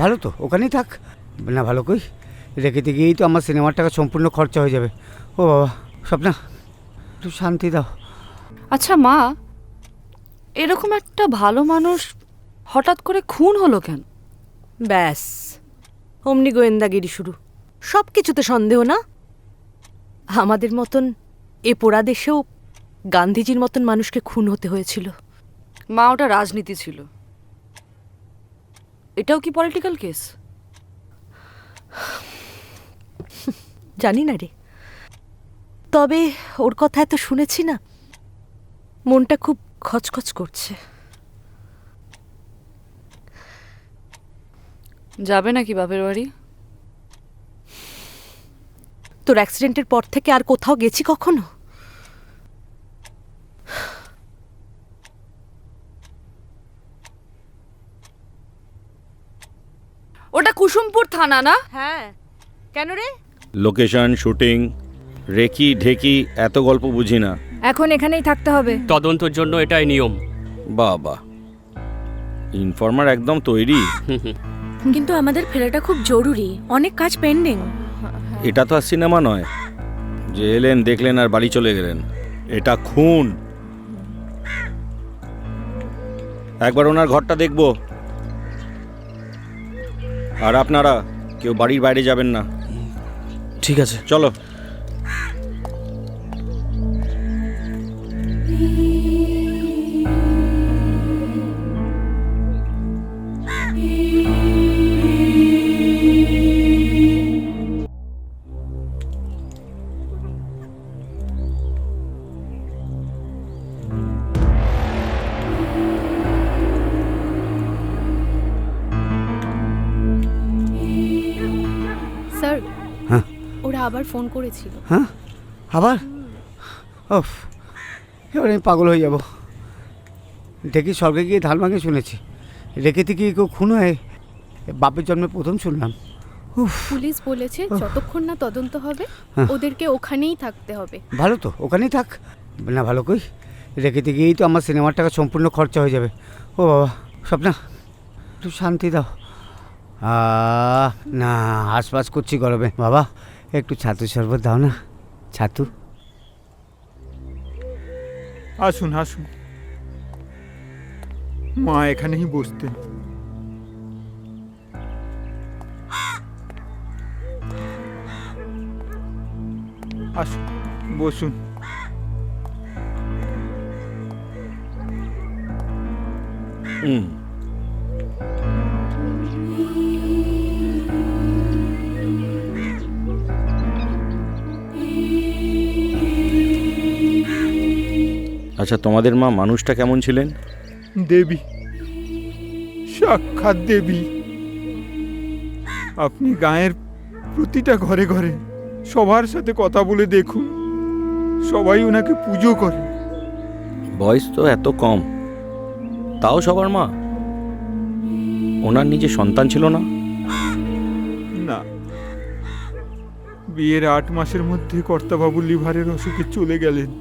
ভালো তো, ওখানেই থাক। না ভালো কই, রেখেতে গিয়েই তো আমার সিনেমার টাকা সম্পূর্ণ খরচা হয়ে যাবে। ও বাবা, স্বপ্না একটু শান্তি দাও। আচ্ছা মা, এরকম একটা ভালো মানুষ হঠাৎ করে খুন হলো কেন? ব্যাস, অমনি গোয়েন্দাগিরি শুরু। সব কিছুতে সন্দেহ না? আমাদের মতন এ পোড়া দেশেও গান্ধীজির মতন মানুষকে খুন হতে হয়েছিল। মা, ওটা রাজনীতি ছিল, এটাও কি পলিটিক্যাল কেস? জানি না রে, তবে ওর কথা এত শুনেছি না, মনটা খুব খচখচ করছে। যাবে নাকি বাপের বাড়ি? তোর অ্যাক্সিডেন্টের পর থেকে আর কোথাও গেছি কখনো? ওটা কুসুমপুর থানা না? হ্যাঁ, কেন রে? লোকেশন, শুটিং, রেকি ঢেকি এত গল্প বুঝি না। এখন এখানেই থাকতে হবে। তদন্তের জন্য এটাই নিয়ম। বাবা, ইনফর্মার একদম তৈরি। কিন্তু আমাদের ফেরাটা খুব জরুরি, অনেক কাজ পেন্ডিং। এটা তো আর সিনেমা নয় যে এলেন দেখলেন আর বাড়ি চলে গেলেন। এটা খুন। একবার ওনার ঘরটা দেখব। আর আপনারা কেউ বাড়ির বাইরে যাবেন না। ঠিক আছে, চলো। স্যার, হ্যাঁ ওরা আবার ফোন করেছিল। হ্যাঁ, আবার? ওফ, এবার আমি পাগল হয়ে যাব। দেখি স্বর্গে গিয়ে ধান ভাঙে শুনেছি, রেখেতে গিয়ে কেউ খুন হয় বাপের জন্মে প্রথম শুনলাম। উফ, পুলিশ বলেছে যতক্ষণ না তদন্ত হবে হ্যাঁ। ওদেরকে ওখানেই থাকতে হবে। ভালো তো, ওখানেই থাক। না ভালো কই, রেখেতে গিয়েই তো আমার সিনেমার টাকা সম্পূর্ণ খরচা হয়ে যাবে। ও বাবা, স্বপ্না একটু শান্তি দাও। না, হাসপাস করছি গরমে। বাবা একটু ছাতু শরবত দাও না, ছাতু। আসুন আসুন, মা এখানেই বসতেন। আসুন, বসুন। হুম। আচ্ছা, তোমাদের মা মানুষটা কেমন ছিলেন? দেবী, সাক্ষাৎ দেবী। আপনি গায়ের প্রতিটা ঘরে ঘরে সবার সাথে কথা বলে দেখুন, সবাই ওনাকে পুজো করে। বয়স তো এত কম, তাও সবার মা। ওনার নিজে সন্তান ছিল না? না, বিয়ের 8 মাসের মধ্যে কর্তাবাবু লিভারের অসুখে চলে গেলেন।